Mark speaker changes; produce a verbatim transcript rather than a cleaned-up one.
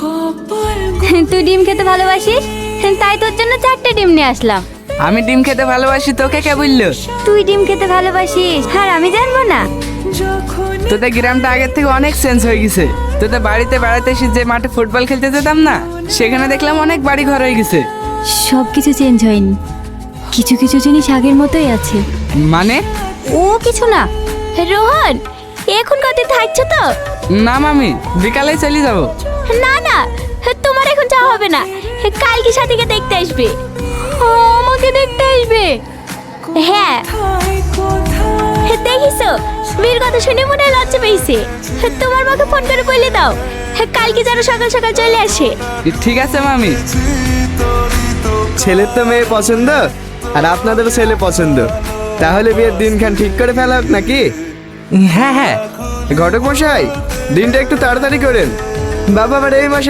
Speaker 1: তুই ডিম খেতে ভালোবাসিস, তাই তোর জন্য চারটে ডিম নিয়ে আসলাম।
Speaker 2: আমি ডিম খেতে ভালোবাসি, তোকে কে বললো?
Speaker 1: তুই ডিম খেতে ভালোবাসিস আর আমি জানবো না?
Speaker 2: তোদের গ্রামটা আগের থেকে অনেক চেঞ্জ হয়ে গেছে। তোদের বাড়িতে বেড়াতে এসে যে মাঠে ফুটবল খেলতে যেতাম না, সেখানে দেখলাম অনেক বাড়ি ঘর হয়ে গেছে।
Speaker 1: সব কিছু চেঞ্জ হয়নি, কিছু কিছু জিনিস আগের মতোই আছে।
Speaker 2: মানে?
Speaker 1: ও কিছু না। রোহন, এখন কত থাকছো তো?
Speaker 2: না মামি, বিকালে চলে যাবো।
Speaker 1: না না, তোমার এখন যাওয়া হবে না, কালকে সাথীকে দেখতে আসবে। আমাকে দেখতে আসবে? হ্যাঁ, দেখিছো মেয়ের কথা শুনে মনে হয় লজ্জা পেয়েছে। তোমার মাকে ফোন করে বলে দাও কালকে যেন সকাল সকাল চলে আসে।
Speaker 2: ঠিক আছে মামি।
Speaker 3: ছেলের তো মেয়ে পছন্দ আর আপনাদেরও ছেলে পছন্দ, তাহলে বিয়ের দিনখান ঠিক করে ফেলা হোক নাকি?
Speaker 2: হ্যাঁ হ্যাঁ।
Speaker 3: ঘটক মশাই, দিনটা একটু তাড়াতাড়ি করেন, বাবা আবার এই মাসে